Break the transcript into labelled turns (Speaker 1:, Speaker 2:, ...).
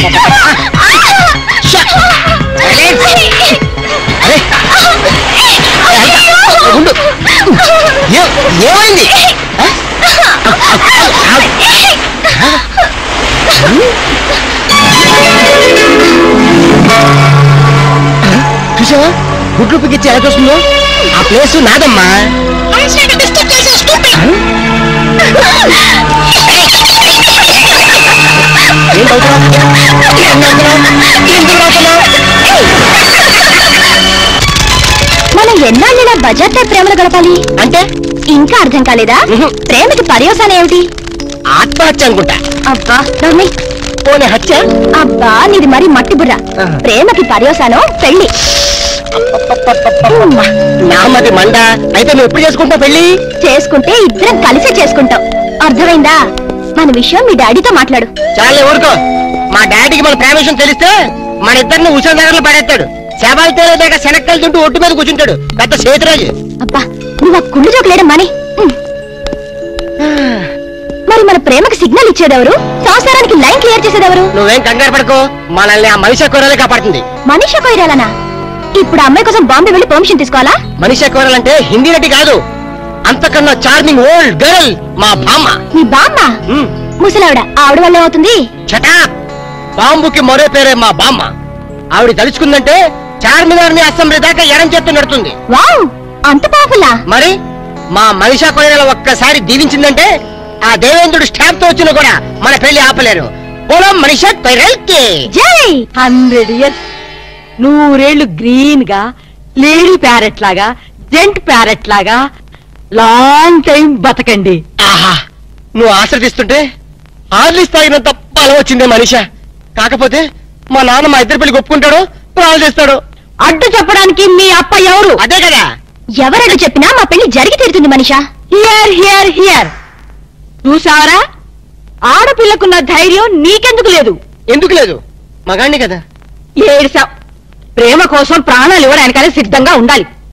Speaker 1: ఏమైంది? చూసావా గుడ్లు పిగిచ్చి ఎలా చూస్తుందో? ఆ ప్లేస్ నాదమ్మా.
Speaker 2: మనం ఎన్నాళ్ళైనా బజార్లో ప్రేమలు గడపాలి
Speaker 1: అంటే
Speaker 2: ఇంకా అర్థం కాలేదా? ప్రేమకి పర్యవసానం ఏమిటి?
Speaker 1: ఆత్మహత్య అనుకుంటా.
Speaker 2: అబ్బా నమ్మి
Speaker 1: పోనీ హత్య?
Speaker 2: అబ్బా నీది మరి మట్టి బుర్ర. ప్రేమకి పర్యవసానం పెళ్లి.
Speaker 1: నామది మండ. అయితే నువ్వు ఎప్పుడు చేసుకుంటావు పెళ్లి?
Speaker 2: చేసుకుంటే ఇద్దరం కలిసే చేసుకుంటాం. అర్థమైందా? మన విషయం మీ డాడీతో మాట్లాడు.
Speaker 1: చాలే ఊరుకో. మా డాడీకి మన ప్రేమ విషయం తెలిస్తే మన ఇద్దరిని ఉషా నగర్లో పడేస్తాడు. శవాలు తేలేదాకా శనక్కలు తింటూ ఒట్టు మీద కూర్చుంటాడు. పెద్ద సేతురాజు.
Speaker 2: అబ్బా నువ్వు ఆ కుళ్ళు జోకులేడం మాని. మరి మన ప్రేమకి సిగ్నల్ ఇచ్చేదెవరు? సంసారానికి లైన్ క్లియర్ చేసేదెవరు?
Speaker 1: నువ్వేం కంగారు పడకు. మనల్ని ఆ మనిషి కూరలే కాపాడుతుంది.
Speaker 2: మనిషి కొయ్యాలనా? ఇప్పుడు అమ్మాయి కోసం బాంబే వెళ్ళి పర్మిషన్ తీసుకోవాలా?
Speaker 1: మనిషి కూరలంటే హిందీ నటి కాదు, అంతకన్నా చార్మింగ్ ఓల్డ్ గర్ల్ మా బామ్మ.
Speaker 2: నీ బామ్మ? ముసలావిడ. ఆవిడ వల్ల ఏమవుతుంది?
Speaker 1: చటా. బాంబుకి మరో పేరే మా బామ్మ. ఆవిడ తలుచుకుందంటే చార్మినార్ ని అసెంబ్లీ దాకా ఎడం చేత్తు నడుతుంది.
Speaker 2: వావ్ అంత పాపులా?
Speaker 1: మరి మా మనిషా కొయ్యల ఒక్కసారి దీవించిందంటే ఆ దేవేంద్రుడు స్టాంప్ తో వచ్చినా కూడా మన పెళ్లి ఆపలేరు. పొలం మనిషా కొయ్యలకి
Speaker 2: జై.
Speaker 3: 100 years 100 గ్రీన్ గా లేడీ ప్యారెట్ లాగా జెంట్ ప్యారెట్ లాగా లాంగ్ టైం బతకండి.
Speaker 1: ఆహా నువ్వు ఆశ్రదిస్తుంటే ఆర్లిస్ తాగినంత బలం వచ్చిందే మనిషా. కాకపోతే మా నాన్న మా ఇద్దరు పెళ్లి ఒప్పుకుంటాడు, ప్రాణాలు చేస్తాడు.
Speaker 3: అడ్డు చెప్పడానికి మీ అప్ప ఎవరు?
Speaker 1: అదే కదా.
Speaker 2: ఎవరడ్డు చెప్పినా మా పెళ్లి జరిగి తీరుతుంది మనిషా.
Speaker 3: Hear hear hear. చూసావరా? ఆడపిల్లకున్న ధైర్యం నీకెందుకు లేదు?
Speaker 1: ఎందుకు లేదు? మగాణ్ణి కదా.
Speaker 3: ఏడ్సావ్. ప్రేమ కోసం ప్రాణాలు ఇవ్వడానికనే సిద్ధంగా ఉండాలి.